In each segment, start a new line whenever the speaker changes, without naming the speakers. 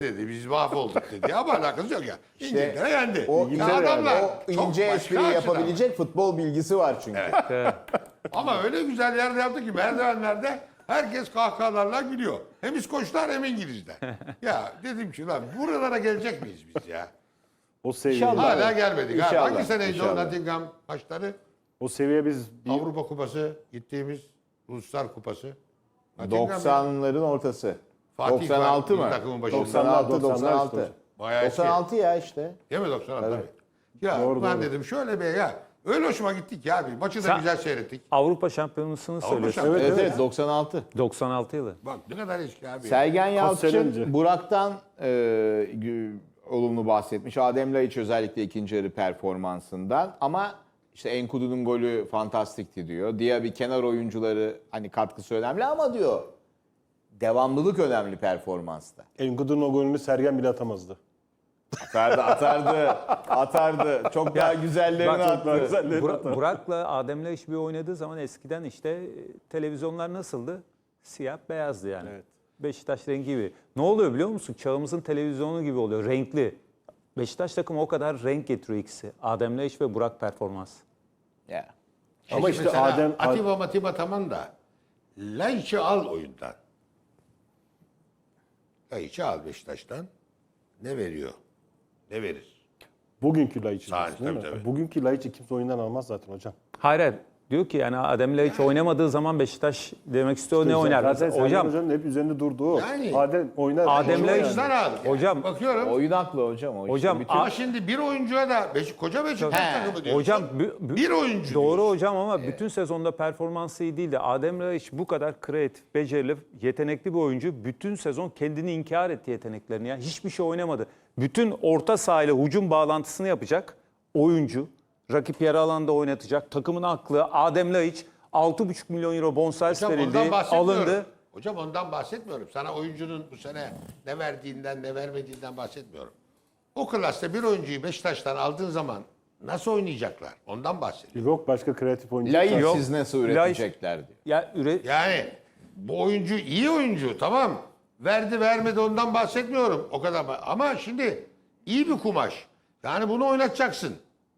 dedi. Biz mahvolduk dedi. Ama alakası yok ya.
İşte
İngiltere yendi.
o
Ya adamlar
o
çok
ince
başka
espriyi
açıdan.
yapabilecek futbol bilgisi var çünkü.
Ama öyle güzel yerde yaptı ki merdivenlerde herkes kahkahalarla gülüyor. Hem İskoçlar hem İngilizler. Ya dedim ki lan buralara gelecek miyiz biz ya?
O seviye.
İnşallah.
Hala gelmedik. Ha.
İnşallah,
Hangi seneydi o
inşallah.
Nottingham maçları?
O seviye biz
Avrupa Kupası gittiğimiz Uluslar Kupası. Nottingham ya.
90'ların ortası.
Fatih
96
var,
mı?
takımın başında.
96 96.
Bayağı eski.
96 ya işte.
Değil mi 96
Evet.
tabii. Ya
Doğru,
ben
doğru.
dedim şöyle bir ya. Öyle hoşuma gittik ya abi. Maçı da
Sen-
güzel seyrettik.
Avrupa Şampiyonası'nı söylüyorsun.
Şampiyonu.
Evet evet 96.
96 yılı.
Bak ne kadar eski abi.
Sergen
Kaç sene
Yalçın
önce?
Burak'tan olumlu bahsetmiş. Adem Laiç özellikle ikinci yarı performansından ama işte Enkudu'nun golü fantastikti diyor. Diğer bir kenar oyuncuları hani katkısı önemli ama diyor devamlılık önemli performansta.
Enkudu'nun o golünü Sergen bile atamazdı.
Atardı. Çok daha güzellerini
Bak,
attı.
Burak'la Adem'le iş bir oynadığı zaman eskiden işte televizyonlar nasıldı? Siyah beyazdı yani.
Evet.
Beşiktaş rengi gibi. Ne oluyor biliyor musun? Çağımızın televizyonu gibi oluyor. Renkli. Beşiktaş takımı o kadar renk getiriyor ikisi. Adem Laiç ve Burak performans.
Ya.
Ama işte
mesela
Adem
Atiba tamam da Laiç'i al oyundan. Laiç'i al Beşiktaş'tan. Ne veriyor? Ne verir?
bugünkü Laiç
Sağ-
diyorsun değil mi?
tabii.
Bugünkü Laiç'i kimse oyundan almaz zaten hocam.
Hayır, hayır. Diyor ki yani Adem Laiç oynamadığı zaman Beşiktaş demek istiyor ne oynar?
Zaten Sergen
Hocam
Hoca'nın hep üzerinde durduğu o.
Yani-
Adem oynar.
Adem
oynar
Laiç-
Oyuncudan al.
Hocam-
Bakıyorum.
Oyun aklı hocam. O işte
Hocam,
bütün-
Ama şimdi bir oyuncuya da koca Beşiktaş takımı diyorsun.
hocam
bir oyuncu
doğru
diyorsun.
hocam ama bütün sezonda performansı iyi değildi. Adem Laiç bu kadar kreatif, becerili, yetenekli bir oyuncu. Bütün sezon kendini inkar etti yeteneklerini. Ya. Hiçbir şey oynamadı. Bütün orta sahayla hücum bağlantısını yapacak oyuncu. Rakip yarı alanda oynatacak. Takımın aklı Adem Laiç 6,5 milyon euro bonservis
Hocam
verildi,
ondan bahsetmiyorum.
alındı.
Hocam ondan bahsetmiyorum. Sana oyuncunun bu sene ne verdiğinden ne vermediğinden bahsetmiyorum. O klasta bir oyuncuyu Beşiktaş'tan aldığın zaman nasıl oynayacaklar? Ondan bahsediyorum.
Yok başka kreatif oyuncu.
Laiç
Yok.
siz nasıl
Laiç-
üretecekler diyor.
Ya
Yani bu oyuncu iyi oyuncu tamam. Verdi vermedi ondan bahsetmiyorum. O kadar. Ama şimdi iyi bir kumaş. Yani bunu oynatacaksın.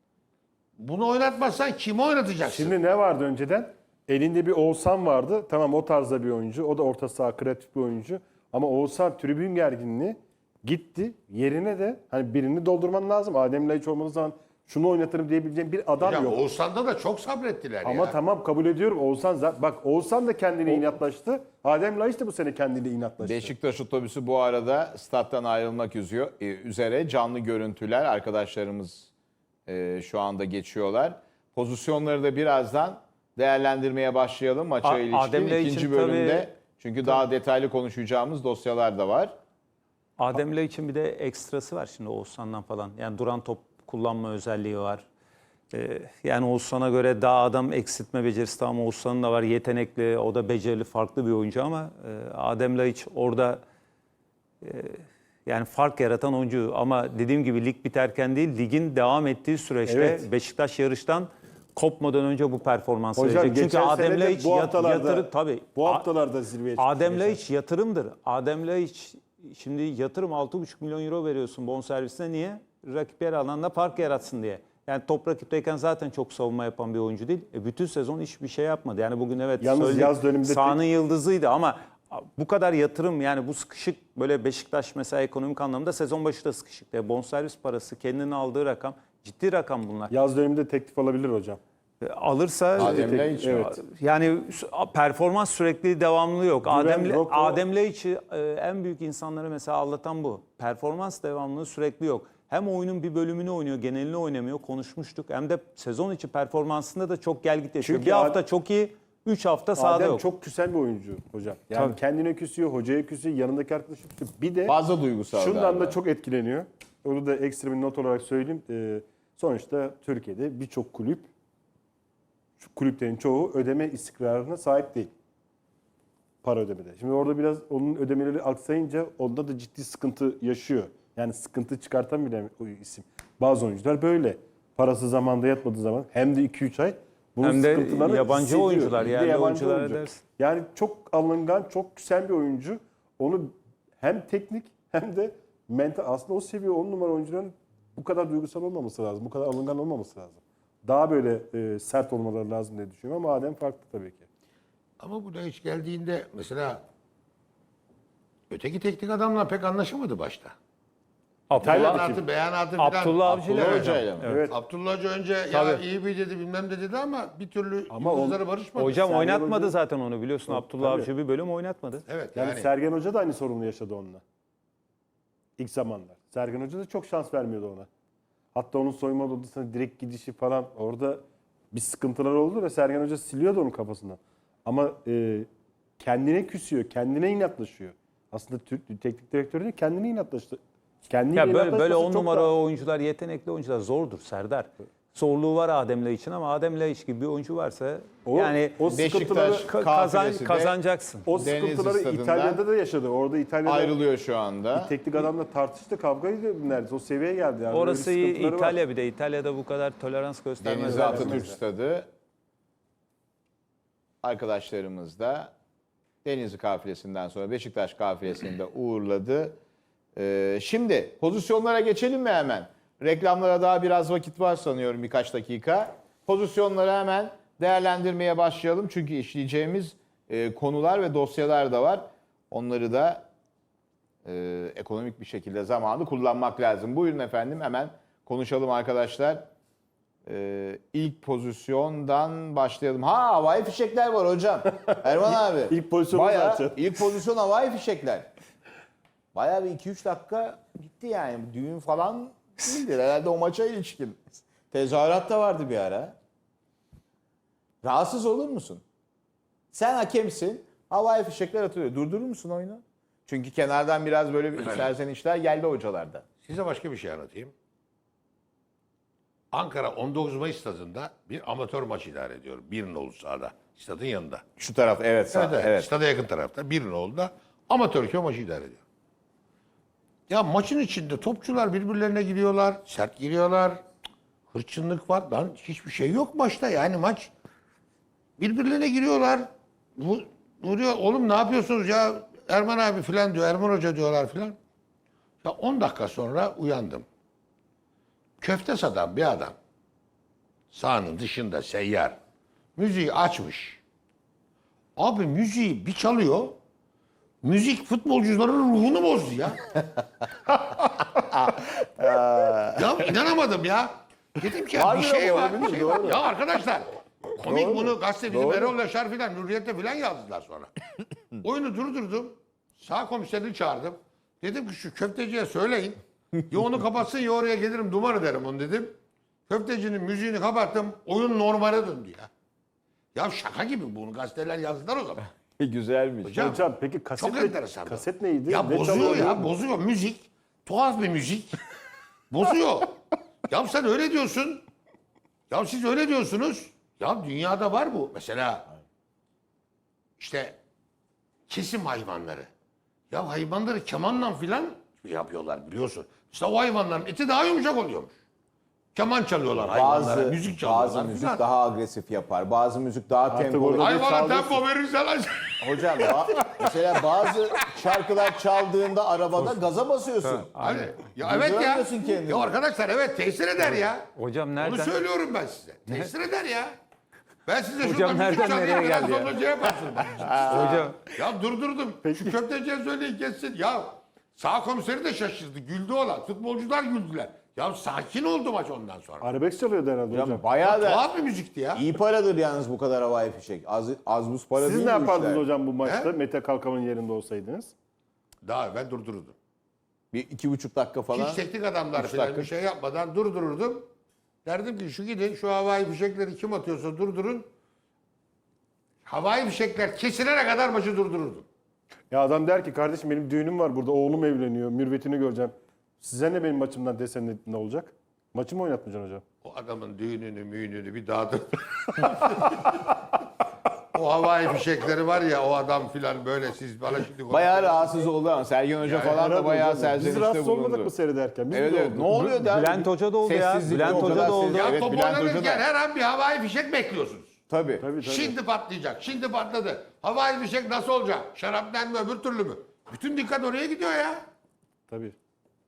Bunu oynatmazsan kimi oynatacaksın?
Şimdi ne vardı önceden? Elinde bir Oğuzhan vardı. Tamam o tarzda bir oyuncu. O da orta saha kreatif bir oyuncu. Ama Oğuzhan tribün gerginliği gitti. Yerine de hani birini doldurman lazım. Adem Laiç olmadığı zaman şunu oynatırım diyebileceğim bir adam
Hocam
yok.
Oğuzhan'da da çok sabrettiler
Ama
ya.
tamam kabul ediyorum. Oğuzhan bak Oğuzhan da kendine inatlaştı. Adem Laiç de bu sene kendiyle inatlaştı.
Beşiktaş otobüsü bu arada stat'tan ayrılmak üzere canlı görüntüler arkadaşlarımız şu anda geçiyorlar. Pozisyonları da birazdan değerlendirmeye başlayalım maça ilişkin
Adem Laiç'in
ikinci bölümde.
tabii-
Çünkü daha detaylı konuşacağımız dosyalar da var.
Adem Laiç'in bir de ekstrası var şimdi Oğuzhan'dan falan. Yani duran top kullanma özelliği var. Yani Oğuzhan'a göre daha adam eksiltme becerisi de ama Oğuzhan'ın da var. Yetenekli, o da becerili, farklı bir oyuncu ama Adem Laiç orada yani fark yaratan oyuncu. Ama dediğim gibi lig biterken değil, ligin devam ettiği süreçte
Evet.
Beşiktaş yarıştan kopmadan önce bu performansı
Hocam
verecek. Çünkü
geçen
Adem
sene de
Laiç
bu haftalarda
tabii.
bu haftalarda zirveye çıktı.
Adem Laiç yatırımdır. Adem Laiç şimdi yatırım 6,5 milyon euro veriyorsun bonservisine. Niye? Rakip yer alanda fark yaratsın diye. Yani top rakipteyken zaten çok savunma yapan bir oyuncu değil. Bütün sezon hiçbir şey yapmadı. Yani bugün evet
Yalnız
söyledik,
yaz döneminde
sahanın yıldızıydı ama bu kadar yatırım yani bu sıkışık böyle Beşiktaş mesela ekonomik anlamda sezon başı da sıkışık. Bonservis parası kendinin aldığı rakam ciddi rakam bunlar.
Yaz döneminde teklif alabilir hocam.
Alırsa
Adem Laiç mi?
Evet.
yani performans sürekli devamlı yok.
yok, o-
Adem Laiç'i en büyük insanları mesela anlatan bu. Performans devamlılığı sürekli yok. Hem oyunun bir bölümünü oynuyor, genelini oynamıyor. Konuşmuştuk. Hem de sezon içi performansında da çok gelgit yaşıyor.
Çünkü
Bir hafta çok iyi, 3 hafta sahada
Adem
yok.
çok küsen bir oyuncu hocam. Yani
Tabii.
kendine küsüyor, hocaya küsüyor, yanındaki arkadaşı küsüyor. Bir de
Fazla duygusal
şundan
galiba.
da çok etkileniyor. Onu da ekstra bir not olarak söyleyeyim. Sonuçta Türkiye'de birçok kulüp, şu kulüplerin çoğu ödeme istikrarına sahip değil. Para ödemede. Şimdi orada biraz onun ödemeleri aksayınca onda da ciddi sıkıntı yaşıyor. Yani sıkıntı çıkartan bile o isim. Bazı oyuncular böyle. Parası zamanda yatmadığı zaman hem de 2-3 ay bunun
Hem de
sıkıntılarını
yabancı
hissediyor.
oyuncular,
Bir de
yerli
yabancı
oyuncular
oyuncu.
edersin.
Yani çok alıngan, çok küsen bir oyuncu. Onu hem teknik hem de mental, aslında o seviye 10 numara oyuncuların bu kadar duygusal olmaması lazım. Bu kadar alıngan olmaması lazım. Daha böyle sert olmaları lazım diye düşünüyorum ama Adem farklı tabii ki.
Ama bu da hiç geldiğinde mesela öteki teknik adamla pek anlaşamadı başta. Beyanatı falan.
Abdullah Avcı ile
Abdullah
hocam.
Hoca ile mi?
Evet.
Abdullah Hoca önce ya
Tabii.
iyi bir dedi bilmem ne dedi ama bir türlü
Ama
yıldızları barışmadı.
Hocam
Sergen
oynatmadı
Hoca-
zaten onu biliyorsun. Abdullah
tabii.
Avcı bir bölüm oynatmadı.
Evet
Yani,
yani.
Sergen Hoca da aynı sorunu yaşadı onunla. İlk zamanlar. Sergen Hoca da çok şans vermiyordu ona. Hatta onun soyunma odasına direkt gidişi falan orada bir sıkıntılar oldu ve Sergen Hoca siliyordu onun kafasından. Ama kendine küsüyor, kendine inatlaşıyor. Aslında Türk teknik direktörü de kendine inatlaştı. Kendiyle
Ya böyle
inatlaşması
10
çok
numara
daha-
oyuncular, yetenekli oyuncular zordur Serdar. Zorluğu var Adem Laiç'in ama Adem Laiç gibi bir oyuncu varsa yani
o sıkıntıları
Beşiktaş kafilesi de
kazanacaksın.
o
Denizli
sıkıntıları
stadından
İtalya'da da yaşadı. Orada İtalya'da
ayrılıyor şu anda.
teknik adamla tartıştı, kavgaydı neredeyse. O seviyeye geldi yani.
Orası
Öyle bir
iyi,
sıkıntıları var.
İtalya bir de. İtalya'da bu kadar tolerans göstermez.
Denizli Atatürk Stadı. Arkadaşlarımız da Denizli kafilesinden sonra Beşiktaş kafilesini de uğurladı. Şimdi pozisyonlara geçelim mi hemen? Reklamlara daha biraz vakit var sanıyorum, birkaç dakika. Pozisyonları hemen değerlendirmeye başlayalım. Çünkü işleyeceğimiz konular ve dosyalar da var. Onları da ekonomik bir şekilde zamanı kullanmak lazım. Buyurun efendim, hemen konuşalım arkadaşlar. İlk pozisyondan başlayalım. Havai fişekler var hocam. Erman abi.
İlk pozisyonu
Bayağı,
zaten.
İlk pozisyon havai fişekler. Bayağı bir 2-3 dakika gitti yani. Düğün falan değildir herhalde o maça ilişkin. Tezahürat da vardı bir ara. Rahatsız olur musun? Sen hakemsin. Havai fişekler atılıyor. Durdurur musun oyunu? Çünkü kenardan biraz böyle bir serzenişler geldi hocalarda.
Size başka bir şey anlatayım. Ankara 19 Mayıs stadında bir amatör maç idare ediyorum. Bir nolu sahada. Stadın yanında.
Şu taraf evet sağ.
Evet,
Evet.
Stada yakın tarafta. Bir nolda amatör köy maçı idare ediyor. Ya maçın içinde topçular birbirlerine giriyorlar. Sert giriyorlar. Hırçınlık var. Lan hiçbir şey yok maçta. Yani maç birbirlerine giriyorlar. Vuruyor. Oğlum ne yapıyorsunuz ya? Erman abi filan diyor. Erman Hoca diyorlar filan. Ya 10 dakika sonra uyandım. Köfte satan bir adam. Sahanın dışında seyyar. Müziği açmış. Abi müziği bir çalıyor. Müzik futbolcuların ruhunu bozdu ya. Ya inanamadım ya. Dedim ki ya bir
Harbiden
şey var.
olabilir,
Bir şey
doğru.
var. Ya arkadaşlar komik
Doğru.
bunu gazete bizim
Doğru.
Erol Yaşar filan Hürriyet'te filan yazdılar sonra. Oyunu durdurdum. Sağ komiserini çağırdım. Dedim ki şu köfteciye söyleyin. Ya onu kapatsın ya oraya gelirim duman ederim onu dedim. Köftecinin müziğini kapattım. Oyun normale döndü ya. Ya şaka gibi bunu gazeteler yazdılar o zaman.
Güzelmiş.
Hocam peki kaset,
Çok enteresan.
kaset neydi?
Ya
Ne
bozuyor
çalıyordu?
ya bozuyor müzik. Tuhaf bir müzik. Bozuyor. Ya sen öyle diyorsun. Ya siz öyle diyorsunuz. Ya dünyada var bu. Mesela işte kesim hayvanları. Ya hayvanları kemanla filan yapıyorlar biliyorsun. İşte o hayvanların eti daha yumuşak oluyormuş. Keman çalıyorlar hayvanlara,
Bazı
müzik çalıyorlar
bazı müzik
filan.
daha agresif yapar. Bazı müzik daha
Artık
tempolu.
orada-
Hayvana
Çalıyorsun.
tempo verirsen
Hocam mesela bazı şarkılar çaldığında arabada gaza basıyorsun.
Hani, ya evet ya.
Durduramıyorsun kendini.
Ya arkadaşlar evet tesir eder ya.
Hocam
Onu
nereden?
söylüyorum ben size. Tesir eder ya. Ben size
Hocam
şurada müzik
nereden
çalayım
nereye
biraz
geldi ya?
sonra şey yaparsın.
Hocam
Ya durdurdum. Şu köfteciye söyleyin kessin. Ya sağ komiseri de şaşırdı. Güldü olan. Futbolcular güldüler. Ya sakin oldu maç ondan sonra.
Arabesk çalıyordu herhalde hocam.
Hocam bayağı da
Tuhaf bir müzikti ya.
iyi paradır yalnız bu kadar havai fişek. Az buz para
Siz
değil
ne
bu
yapardınız
işler.
hocam bu maçta?
He?
Mete Kalkan'ın yerinde olsaydınız.
Daha evvel durdururdum.
Bir 2,5 dakika falan.
Hiç teknik adamlar
Üç
falan
dakika.
bir şey yapmadan durdururdum. Derdim ki şu gidin şu havai fişekleri kim atıyorsa durdurun. Havai fişekler kesilene kadar maçı durdururdum.
Ya adam der ki kardeşim benim düğünüm var burada. Oğlum evleniyor. Mürvetini göreceğim. Size ne benim maçımdan desen ne olacak? Maçı mı oynatmayacaksın hocam?
O adamın düğününü müğününü bir dağıtır. O havai fişekleri var ya o adam filan böyle siz bana şimdi...
Bayağı rahatsız oldu ama Sergen Hoca falan da
Herhalde
bayağı
hocam. Biz
serzenişte
rahatsız olmadık
bulundu.
mı seyrederken? Biz
Evet
de
evet.
olduk.
Ne oluyor der?
Bülent Hoca da oldu ya.
Sessizlikte
Bülent
o
Hoca
kadar
da oldu.
sessiz.
Ya
Evet,
top
Bülent Hoca
oynanırken
da.
her an bir havai fişek bekliyorsunuz.
Tabii.
Tabii.
Şimdi patlayacak, şimdi patladı. Havai fişek nasıl olacak? Şarapnel mi öbür türlü mü? Bütün dikkat oraya gidiyor ya.
Tabii.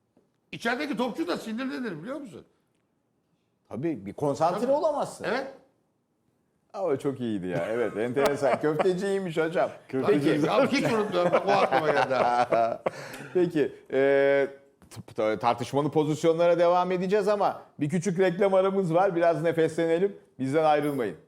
İçerideki topçu da sinirlenir biliyor musun?
Tabii bir konsantre olamazsın.
Evet.
Ama çok iyiydi ya. Evet, enteresan. Köfteci iyiymiş hocam.
Peki. Ya, hiç unutmuyorum. Bak, o aklıma geldi.
Peki, tartışmalı pozisyonlara devam edeceğiz ama bir küçük reklam aramız var. Biraz nefeslenelim. Bizden ayrılmayın.